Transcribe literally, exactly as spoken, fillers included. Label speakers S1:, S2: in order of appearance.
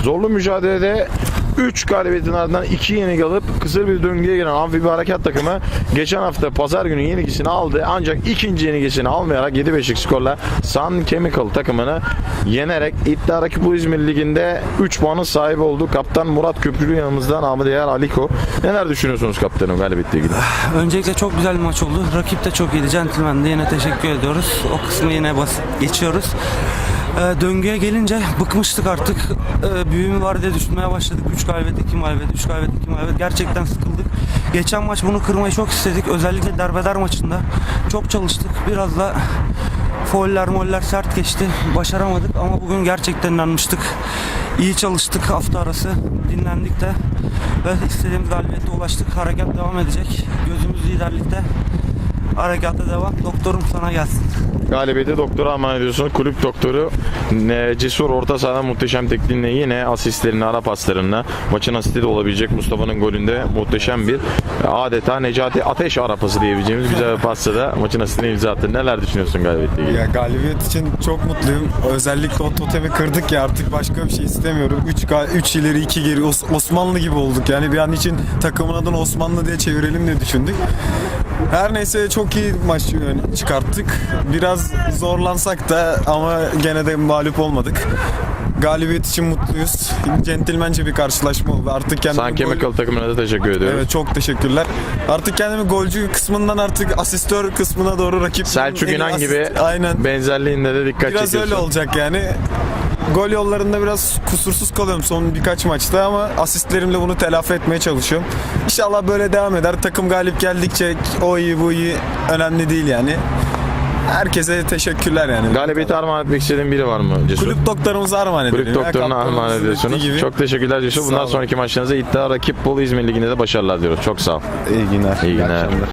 S1: Zorlu mücadelede üç galibiyetin ardından iki yenilgi alıp kısır bir döngüye giren Amfibi Harekat takımı geçen hafta pazar günü yenilgisini aldı. Ancak ikinci yenilgisini almayarak yedi beşlik skorla Sun Chemical takımını yenerek İddia Rakibu İzmir Ligi'nde üç puanın sahibi oldu. Kaptan Murat Köprülü yanımızda, namı değer Aliko. Neler düşünüyorsunuz kaptanım galibiyetle ilgili?
S2: Öncelikle çok güzel bir maç oldu. Rakip de çok iyiydi. Gentleman'de yine teşekkür ediyoruz. O kısmı yine basit geçiyoruz. Ee, döngüye gelince bıkmıştık artık. Ee, büyüğümü var diye düşünmeye başladık. üç galibiyet, iki mağlubiyet, üç galibiyet, iki mağlubiyet. Gerçekten sıkıldık. Geçen maç bunu kırmayı çok istedik. Özellikle derbeder maçında çok çalıştık. Biraz da fauller moller sert geçti. Başaramadık ama bugün gerçekten inanmıştık. İyi çalıştık hafta arası. Dinlendik de ve istediğimiz galibiyete ulaştık. Harekat devam edecek. Gözümüz liderlikte. Harekata devam. Doktorum sana gelsin.
S1: Galibiyeti doktora armağan ediyorsunuz. Kulüp doktoru ne, Cesur orta sahada muhteşem tekniğinle yine asistlerini, ara paslarını, maçın asisti de olabilecek Mustafa'nın golünde muhteşem bir adeta Necati Ateş ara pası diyebileceğimiz güzel bir pasta da maçın asistine imza attı. Neler düşünüyorsun galibiyetle ilgili?
S3: Ya galibiyet için çok mutluyum. Özellikle o totemi kırdık ya, artık başka bir şey istemiyorum. üç ileri iki geri Os- Osmanlı gibi olduk. Yani bir an için takımın adını Osmanlı diye çevirelim diye düşündük. Her neyse çok iyi maç çıkarttık. Biraz zorlansak da ama gene de mağlup olmadık. Galibiyet için mutluyuz. Centilmence bir karşılaşma oldu. Artık kendimi
S1: Sun Chemical
S3: gol...
S1: takımına da teşekkür ediyoruz.
S3: Evet, çok teşekkürler. Artık kendimi golcü kısmından artık asistör kısmına doğru rakip
S1: Selçuk İnan gibi
S3: aynen.
S1: benzerliğinde de dikkat
S3: Biraz
S1: çekiyorsun.
S3: öyle olacak yani. Gol yollarında biraz kusursuz kalıyorum son birkaç maçta ama asistlerimle bunu telafi etmeye çalışıyorum. İnşallah böyle devam eder. Takım galip geldikçe o iyi bu iyi önemli değil yani. Herkese teşekkürler yani.
S1: Galibiyeti armağan etmek istediğin biri var mı Cesur?
S3: Kulüp doktorumuza armağan edelim.
S1: Kulüp doktoruna armağan ediyorsunuz. Çok teşekkürler Cesur. Bundan sonraki maçlarınızda İddia Rakip Bolu İzmir Ligi'nde de başarılar diyoruz. Çok sağ ol.
S3: İyi günler.
S1: İyi günler.